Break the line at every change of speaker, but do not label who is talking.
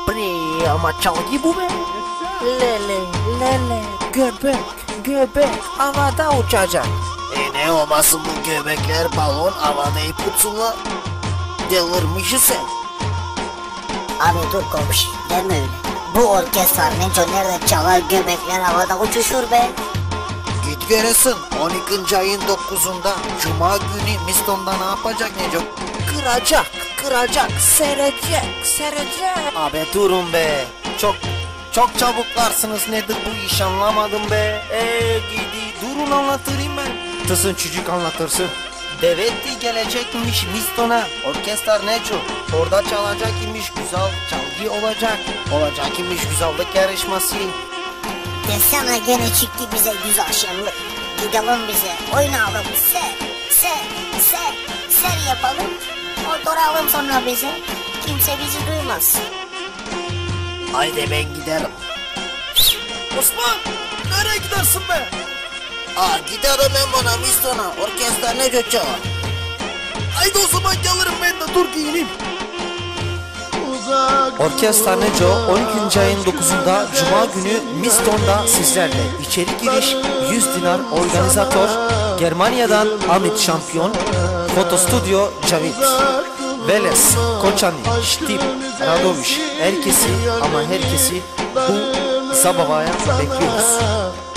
Bre ama çalgı bu be. Lele lele göbek göbek havada uçacak. Ne olmasın bu göbekler balon havada ip uçsunlar. Delirmişsin sen.
Abi dur komşu deme öyle. Bu orkestra Neco nerede çalar göbekler havada uçuşur be.
Git göresin 12. ayın 9'unda Cuma günü Miston'da ne yapacak Neco? Kıracak, serecek. Abi durun be. Çok çabuklarsınız nedir bu iş anlamadım be. Gidi durun anlatırım ben. Tısın çocuk anlatırsın. Devetti gelecekmiş Miston'a. Orkestra Neco. Orada çalacak imiş güzel çalgı olacak. Olacak imiş güzellik yarışması.
Desene gene çıktı bize güzel şenlik. Gidelim bize oynayalım ser yapalım. Oturalım sonra bize. Kimse bizi duymaz.
Haydi ben giderim. Osman nereye gidersin be? Giderim ben bana Miston'a. Orkestra Neco çalar. Haydi o zaman gelirim ben de dur giyineyim. Orkestra Neco 12. ayın 9'unda Cuma günü Miston'da sizlerle. İçeri giriş 100 dinar. Organizatör Germanya'dan Amit Şampiyon. Foto stüdyo Cavit. Veles, Koçani, Stip, Radoviş. Herkesi ama herkesi bu Zabava'ya bekliyoruz.